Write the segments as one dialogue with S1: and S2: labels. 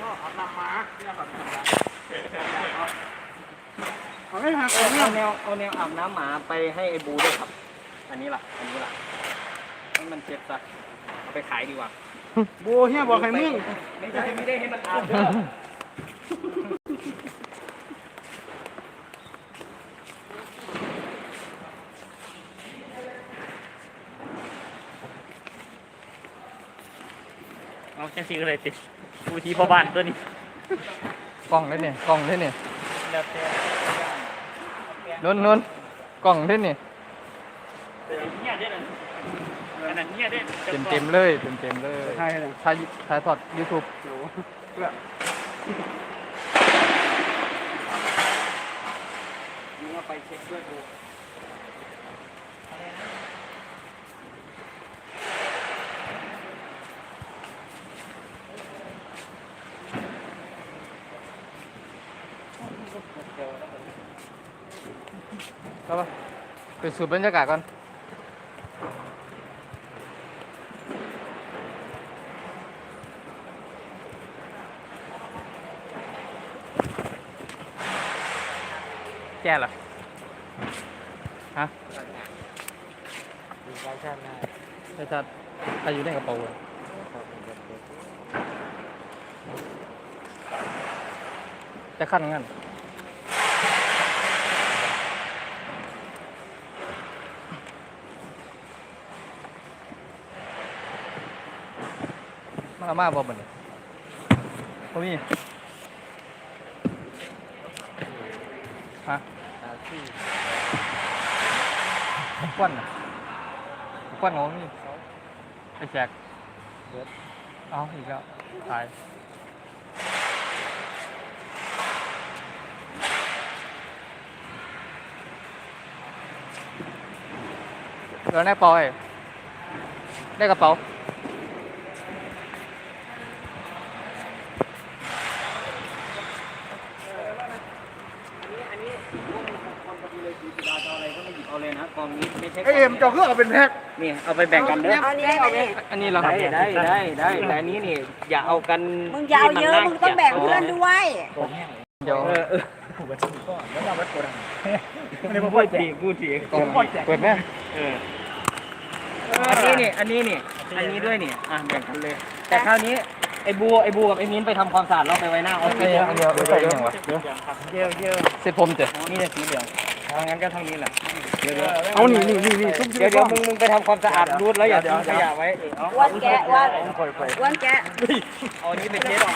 S1: อาบน้ำหมาเอาแนวอาบน้ำหมาไปให้ไอ้บูด้วยครับอันนี้ล่ะให้มันเจ็บซะเอาไปขายดีกว่าบูเฮียบอกให้มึงไม่ได้ให้มันอาบด้วยเอาแค่ซีก็เลยติดบูทีพ่อบ้านตัวนี้
S2: กล้องได้เนี่ยกล้องได้เนี่ยนุ่นกล้องได้เนี่ยเต็มเลยถ่ายทอด YouTube
S1: ยิงเอาไปเช็คด้วยบู
S2: ครับไปสูดบรรยากาศก่อนแก่เหรอฮะใช่ชาติอายุในกระเป๋าจะขั้นงั้นมาบ่มันบ่มีฮะควันของนี่ไอ้แจกเอาอีกแล้วตายแล้วได้ปอยได้กระเป๋า
S1: เอาเลยนะกองนี้ไม่ใช่
S3: เอ็มเจ้าเครื่องเอาเป็นแพ็ค
S1: นี่เอาไปแบ่งกันเด้อ
S2: อันนี้เรา
S1: ได้แต่อันนี้นี่อย่าเอากัน
S4: มึงยาวเยอะมึงต้องแบ่งเพื่อนด้วย
S2: เดี๋ยว
S1: ไม่พูดทีพูดที
S2: เปิดแม่
S1: อันนี้ด้วยนี่แบ่งกันเลยแต่คราวนี้ไอ้บูกับไอ้มิ้นไปทำความสะอาดแล้วไปไว้หน้าออฟฟิศ
S2: อันเดียวใส่ยังวะ
S1: เยอะ
S2: เสร็จผมเจ้ะ
S1: นี่จะสีเหลืองทางนั้นก็ทางนี้แหละเดี๋ยว
S3: เอานี่
S1: เดี๋ยวมึงไปทำความสะอาดรูดแล้วอย่าทิ้งขยะไว้
S4: วันแกะวันแกะ
S1: เอาอันนี้ไปเช็ด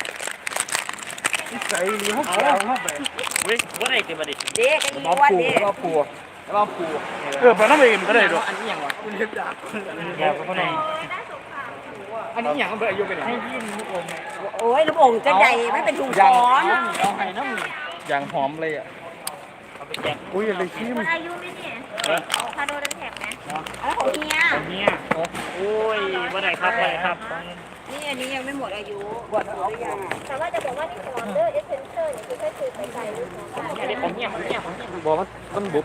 S3: ใส่หรือเขาเอาไป
S1: เว้ยว่าอะไรกันมาดิ
S4: เด็กกันยี่วันเด็ก
S1: ว่าปู
S3: ไปน้ำเองก็ได้ด้วย
S1: อันนี้อย่างวะ
S3: คุณเห็นจ้ะ
S1: อยากเขาไหนอันนี้อย่างเบอร์อายุเป็นให้พี่ลูกอม
S4: โอ้ยลูกโป่งจะใหญ่ไม่เป็นถุงช้อน
S1: เอาให้น้ำ
S2: อย่างหอมเลยอ่ะ
S1: เอาไปแจก
S3: อุ้ยอะไรขี้ม
S5: คนอายุไม่เนี่ยคาโดดันแท็กไหม
S4: แล้วของเฮีย
S1: เนี่ยโอ้ยว่าไหนครับว่าไหนครับ
S4: นี่อันนี้ยังไม่หมดอายุหมดหรือยัง
S5: แต่ว่าจะบอกว่าที่ฟอร์เดอร์เอเซนเซอร์เนี่ยคือแค่คือไปไกลลูกน้องได้
S1: อันนี้ผมเนี่ย
S2: บอกมันบุบ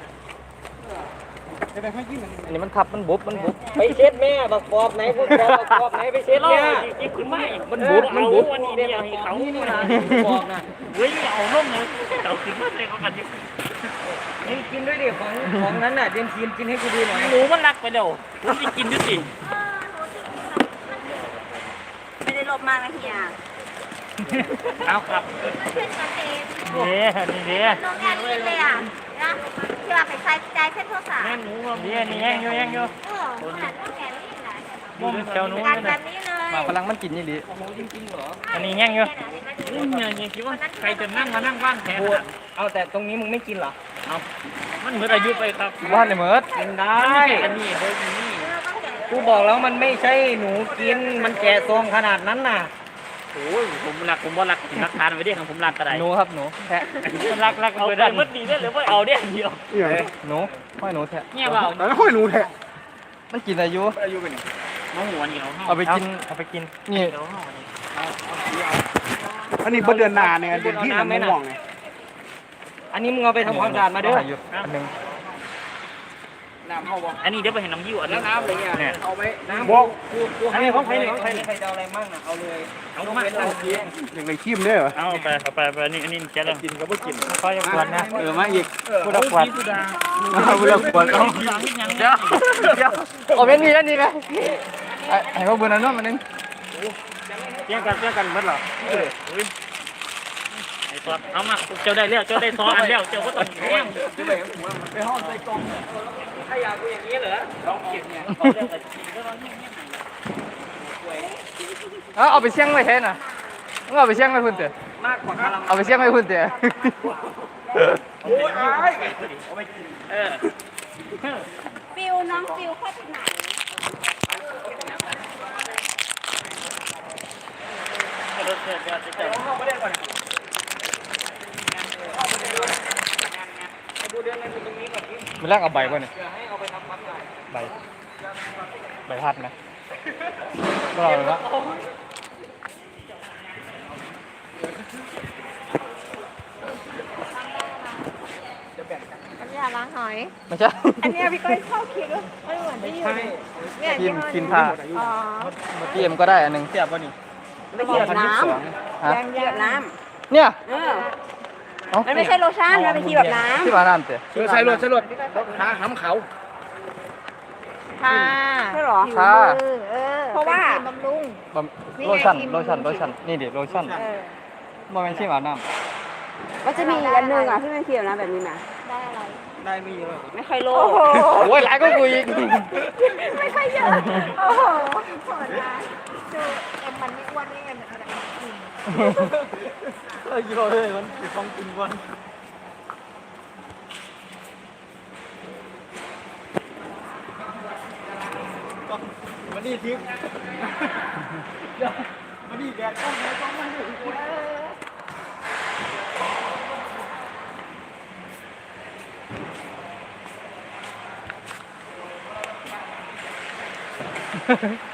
S2: อันนี้มันทับมันบุบ
S1: ไปเช็ดแม่บักกอบไหนพูดบักกอบไหนไปเช็ดเนี่ยกินขึ้นมามันบุบวันนี้เนี่ยเขานี่นะบอกนะเฮ้ยเอาล่มเลยเอาขึ้นมาเลยเขากันดิกินด้วยดิของนั้นน่ะเดี๋ยวกินให้กูดูหน่อยหนูมันรักไปเดี๋ยวผมจะกินด้วยสิ
S4: ไม่ได้ลบมากนะเฮีย
S1: เอาครับ
S5: มันเป็นกระเตน
S1: นี่
S5: น้องแอนนี่เลยอ่ะนะที่ว่าไปใส่ใจเส้นโทรศัพท์
S1: แม่หนูนี่แย่งอยู่
S5: ขนาดน้องแอนนี่แหละ
S1: มุมเจ้าหนู
S5: การแบบนี้เลย
S2: มาพลังมันกินนี่ดิ
S1: อันนี้แย่งอยู่เนี่ยคิดว่าใครจะนั่งมานั่งว่างแทนเอาแต่ตรงนี้มึงไม่กินเหรอเอามันเหมือนอายุไปครับ
S2: ว่านเลยเหมิด
S1: กินได้อันนี้เฮ้ยนี่กูบอกแล้วมันไม่ใช่หนูกินมันแก่ทรงขนาดนั้นน่ะโอ้ยผมว่ารักทานไว้ดิของผมรักกระได
S2: หนูครับหนูแทะ
S1: รักเอาไปมันดีได้หรือว่าเอาเนี่ยเดียว
S2: หนูห้อยหนูแทะ
S1: เนี่ยเปล่า
S3: แล้วค่อยหนูแท้
S2: มันกินอายุ
S3: อายุเป็น
S1: น้องหัวเหนียว
S2: เอาไปกินนี่
S3: อันนี้เดือนหน้าเนี่ยเดือนที่มันม่วงเนี่ย
S1: อันนี้มึงเอาไปทำความสะอาดมาเด้อ
S2: อันหนึ่ง
S3: น้ำเข้าบ่
S1: อันนี้เดี๋ยวไปเห็นน้ำยิ้วอัน
S3: แล้
S1: นี้
S3: วน้ำอะไรเงี้ย
S1: เนี่ย
S3: เอาไปน้ำ
S2: บอก
S1: อันนี้ของใครนี่ของใครนี่
S2: ใครจะเอาอะไรมั่งนะเอาเลย
S1: เอามา
S3: อย่างไรขี้มได้เหรอ
S1: เอาไปอันนี้แกแล้ว
S3: กินก็ไม่กิน
S1: ค่อยกวนนะ
S2: มาอีก
S1: พูดกวน
S2: พูดขวดเอา
S1: เดี๋ยว
S2: เอาเป็นมีอันนี้ไหมไอ้พวกเบอร์นั้นมันนึง
S1: เที่ยงกันเมื่อหรอไอ้ซอสเอามาเจ้าได้แล้วเจ้าได้ซอสอันแล้วเจ้าก็ต้องแย่ง
S3: ไปห้องใส่กล่อง
S1: ถ้าอยากกูอย่างนี้เหรอลองกินเนี่ย
S2: เอาไปเสี่ยงไว้แทนน่ะเอาไปเสี่ยงไว้พุ่นเถอะ
S1: มากกว่าคารา
S2: เอาไปเสี่ยงไว้พุ่นเถอะ
S1: โอ้ยเอาไปกิน
S4: ฟิวน้องฟิวเข้าที่ไหน
S2: มันแรกเอาใบก่อนเนี่ยใบพัดนะก็เราละ
S5: น้ำยาล้างหอย
S2: ไม่ใช่
S4: อันเนี้ยพี่ก้อยชอบคิดว่า
S5: ไม่เหมือนที่อยู่เนี่ย
S2: กิ
S5: ที่
S2: น
S5: ห้อ
S2: กินผ้า
S5: อ๋อ
S2: พี่เอ็มก็ได้อันหนึ่งเทียบป่ะนี่
S4: ไม่เหยียบน้
S2: ฮะ
S4: ำเหยียบน้
S2: เนี่ย
S4: ำมันไม่ใช่โลชั่นมันเป็นทีแบบน้ำ
S2: ที่มาน้ำเตะ
S3: ใส่รถหาหำเขา
S5: ทา
S4: ใช่หรอ
S5: ผิวมือเพราะว่าบำรุง
S2: โลชั่นนี่ดิโลชั่นมันเป็นที่มาน้ำ
S4: ก็จะมีอันนึงอ่ะที่เป็นทีแบบน้ำแบบนี้นะ
S5: ได้อะไร
S3: ได้ไม่เยอะ
S4: ไม่ค่อยโล
S2: โอ้ยหลายก็กูอีก
S5: ไม่ค่อยเยอะโอ้โหโหดนะดูเอ็มมันไม่อ้วนได้ไงเหมือนขนาดกิน
S2: เยอะเลยมันต้องกินวัน
S3: วันนี้ทิพย์วันนี้แดดต้องไหนต้องมาอยู่
S2: เ